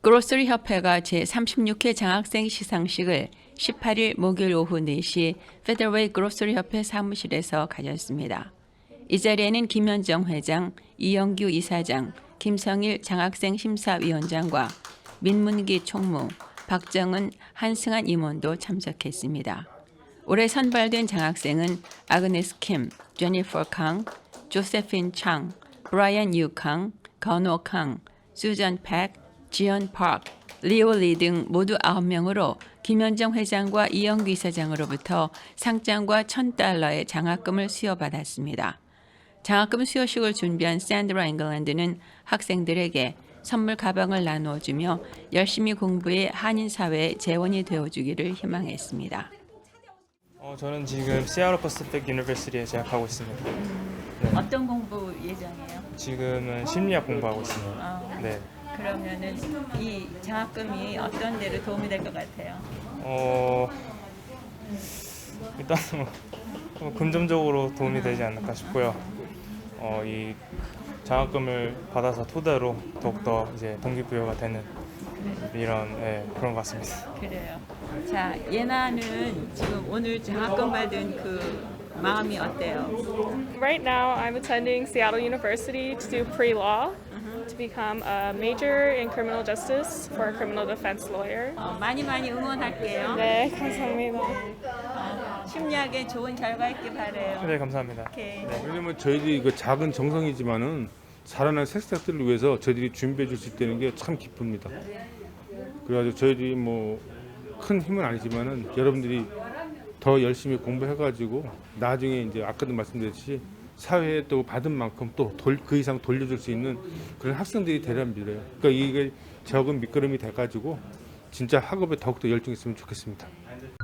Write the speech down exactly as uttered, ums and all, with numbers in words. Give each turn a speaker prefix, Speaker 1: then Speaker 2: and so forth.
Speaker 1: 그로서리 협회가 제삼십육 회 장학생 시상식을 십팔 일 목요일 오후 네 시 페더웨이 그로서리 협회 사무실에서 가졌습니다. 이 자리에는 김현정 회장, 이영규 이사장, 김성일 장학생 심사위원장과 민문기 총무, 박정은, 한승한 임원도 참석했습니다. 올해 선발된 장학생은 아그네스 킴, 제니퍼 캉, 조세핀 창, 브라이언 유 캉, 건호 캉, 수전 팩, 지연 파크, 리오 리 등 모두 아홉 명으로 김현정 회장과 이영규 이사장으로부터 상장과 천 달러의 장학금을 수여받았습니다. 장학금 수여식을 준비한 샌드라 잉글랜드는 학생들에게 선물 가방을 나누어주며 열심히 공부해 한인 사회의 재원이 되어주기를 희망했습니다.
Speaker 2: 어, 저는 지금 시애틀 퍼시픽 유니버시티에 재학하고 있습니다. 네.
Speaker 1: 어떤 공부 예정이에요?
Speaker 2: 지금은 심리학 공부하고 있습니다.
Speaker 1: 어,
Speaker 2: 네.
Speaker 1: 그러면은 이 장학금이 어떤 데로 도움이 될 것 같아요?
Speaker 2: 어, 일단 뭐 금전적으로 도움이 되지 않을까 싶고요. 어, 이 장학금을 받아서 토대로 더욱더 이제 동기부여가 되는 이런 예, 그런 것 같습니다.
Speaker 1: 그래요. 자, 예나는 지금 오늘 장학금 받은 그 마음이 어때요?
Speaker 3: Right now, I'm attending Seattle University to do pre-law, to become a major in criminal justice for a criminal defense lawyer.
Speaker 1: 어, 많이 많이 응원할게요.
Speaker 3: 네, 감사합니다.
Speaker 1: 어, 심리학에 좋은 결과 있길 바래요.
Speaker 2: 네, 감사합니다.
Speaker 1: 오케이.
Speaker 4: 왜냐면 저희들이 그 작은 정성이지만은 자라난 새싹들을 위해서 저희들이 준비해 줄 수 있다는 게 참 기쁩니다. 그래가지고 저희들이 뭐 큰 힘은 아니지만은 여러분들이 더 열심히 공부해가지고 나중에 이제 아까도 말씀드렸듯이 사회에 또 받은 만큼 또 그 이상 돌려줄 수 있는 그런 학생들이 되려 믿어요. 그러니까 이게 적은 밑거름이 돼가지고 진짜 학업에 더욱더 열중했으면 좋겠습니다.